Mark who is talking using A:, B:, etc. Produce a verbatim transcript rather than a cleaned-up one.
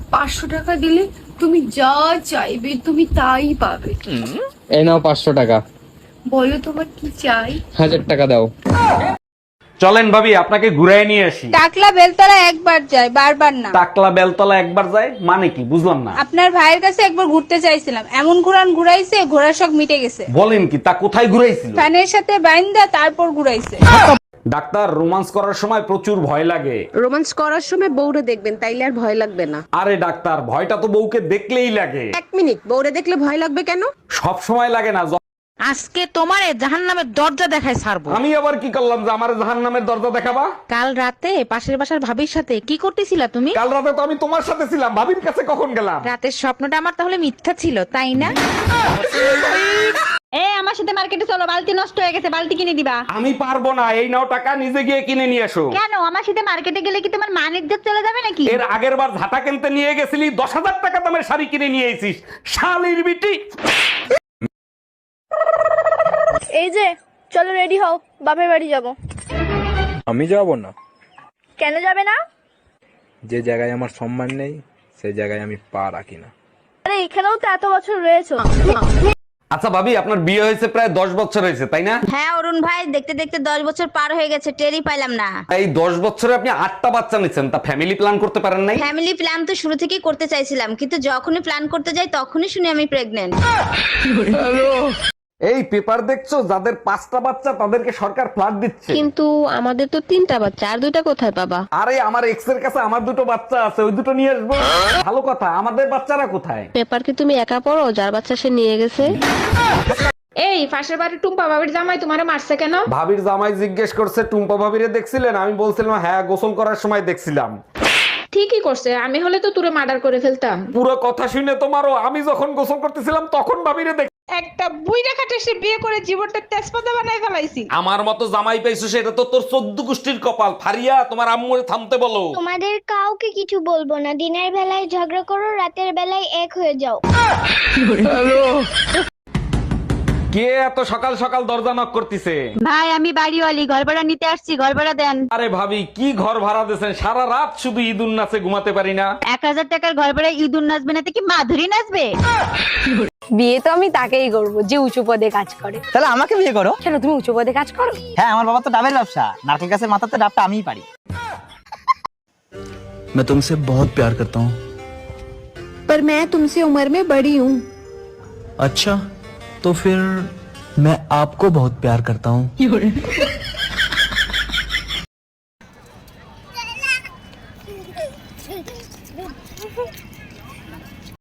A: পাঁচশো টাকা দিলে তুমি যা চাইবে তুমি তাই পাবে।
B: এই নাও পাঁচশো টাকা।
A: বলো তোমার কি চাই?
B: হাজার টাকা দাও।
C: চলেন ভাবি আপনাকে ঘুরাই নিয়ে আসি।
D: টাকলা বেলতলা একবার যায়, বারবার না।
C: টাকলা বেলতলা একবার যায় মানে কি বুঝলাম না।
D: আপনার ভাইয়ের কাছে একবার ঘুরতে চাইছিলাম, এমন ঘুরান ঘুরাইছে ঘোড়ার শখ মিটে গেছে।
C: বলেন কি, তা কোথায় ঘুরাইছিল?
D: ফ্যানের সাথে বাইন্দা তারপর ঘুরাইছে।
C: ডাক্তার, রোমান্স করার সময় প্রচুর ভয় লাগে।
E: রোমান্স করার সময় বউরে দেখবেন, তাইলে আর ভয় লাগবে না।
C: আরে ডাক্তার, ভয়টা তো বউকে দেখলেই লাগে।
E: এক মিনিট, বউরে দেখলে ভয় লাগবে কেন?
C: সব সময় লাগে না। য-
F: আজকে তোমারে জাহান্নামের দরজা দেখায় ছাড়বো।
C: আমি আবার কি করলাম যে আমার জাহান্নামের দরজা দেখাবা?
F: কাল রাতে পাশের বাসার ভাবির সাথে কি করতেছিলা তুমি?
C: কাল রাতে তো আমি তোমার সাথে ছিলাম, ভাবির কাছে কখন গেলাম?
F: রাতের স্বপ্নটা আমার তাহলে মিথ্যা ছিল, তাই না? এ আমার সাথে মার্কেটে চলো, বালতি নষ্ট হয়ে গেছে, বালতি কিনে দিবা।
C: আমি পারবো না, এই নাও টাকা, নিজে গিয়ে কিনে নিয়ে এসো।
F: কেন? আমার সাথে মার্কেটে গেলে কি তোমার মান ইজ্জত চলে যাবে নাকি?
C: এর আগের বার ঝাঁটা কিনতে নিয়ে গেছিলি, দশ হাজার টাকা দামের শাড়ি কিনে নিয়ে এসিস, শালির বিটি।
G: এই যে চলো রেডি হও, বাপের বাড়ি যাব।
H: আমি যাব না।
G: কেন যাবে না?
H: যে জায়গায় আমার সম্মান নেই সেই জায়গায় আমি পা রাখি না।
G: আরে এখানেও তো এত বছর রয়েছো।
C: আচ্ছা ভাবি, আপনার বিয়ে হয়েছে প্রায় দশ বছর হয়েছে তাই না?
I: হ্যাঁ অরুণ ভাই, দেখতে দেখতে দশ বছর পার হয়ে গেছে, টেরই পাইলাম না।
C: এই দশ বছরে আপনি আটটা বাচ্চা নিচ্ছেন, তা ফ্যামিলি প্ল্যান করতে পারেন নাই?
I: ফ্যামিলি প্ল্যান তো শুরু থেকেই করতে চাইছিলাম, কিন্তু যখনই প্ল্যান করতে যাই তখনই শুনি আমি প্রেগনেন্ট।
C: এই পেপার দেখছো, যাদের পাঁচটা বাচ্চা তাদেরকে সরকার ফ্ল্যাট দিচ্ছে।
E: কিন্তু আমাদের তো তিনটা বাচ্চা, আর দুইটা কোথায় পাবা?
C: আরে আমার এক্স এর কাছে আমার দুটো বাচ্চা আছে, ওই দুটো নিয়ে আসবো। ভালো কথা, আমাদের বাচ্চারা কোথায়?
E: পেপার কি তুমি একা পড়ো? যার বাচ্চা সে নিয়ে গেছে।
D: এই পাশের বাড়ির টুম্পা ভাবির জামাই তোমারে মারছে কেন?
C: ভাবির জামাই জিজ্ঞেস করছে টুম্পা ভাবিরে দেখছিলেন? আমি বলছিলাম হ্যাঁ, গোসল করার সময় দেখছিলাম।
D: ঠিকই করছে, আমি হলে তো তুরে মার্ডার করে ফেলতাম।
C: পুরো কথা শুনে তোমারও, আমি যখন গোসল করতেছিলাম তখন ভাবিরে দেখ।
D: একটা বুইড়া খাটে সে বিয়ে করে জীবনটা তেজপাতা বানায় ফেলাইছি।
C: আমার মতো জামাই পাইছো সেটা তো তোর চোদ্দ গোষ্ঠীর কপাল। ফারিয়া, তোমার আম্মুরে থামতে বলো।
G: তোমাদের কাউকে কিছু বলবো না, দিনের বেলায় ঝগড়া করো, রাতের বেলায় এক হয়ে যাও।
C: কে এত সকাল সকাল দরজা নক করতেছে?
I: ভাই আমি বাড়িওয়ালি, ঘর ভাড়া নিতে আসছি, ঘর ভাড়া দেন।
C: আরে ভাবি, কি ঘর ভাড়া দিয়েছেন? সারা রাত শুধু ঈদুন নাচে ঘুমাতে পারি না।
I: এক হাজার টাকার ঘর ভাড়া ইঁদুর নাচবে না তো কি মাধুরী নাচবে?
G: বিয়ে তো আমি তাকেই করব যে উঁচু পদে কাজ করে।
J: তাহলে আমাকে বিয়ে করো।
G: কেন, তুমি উঁচু পদে কাজ করো?
J: হ্যাঁ, আমার বাবা তো ডাবের ব্যবসা, নারকেল গাছের মাথাতে ডাবটা আমিই পারি।
H: मैं तुमसे बहुत प्यार करता हूँ।
E: पर मैं तुमसे उम्र में बड़ी हूँ।
H: अच्छा, तो फिर मैं आपको बहुत प्यार करता हूँ।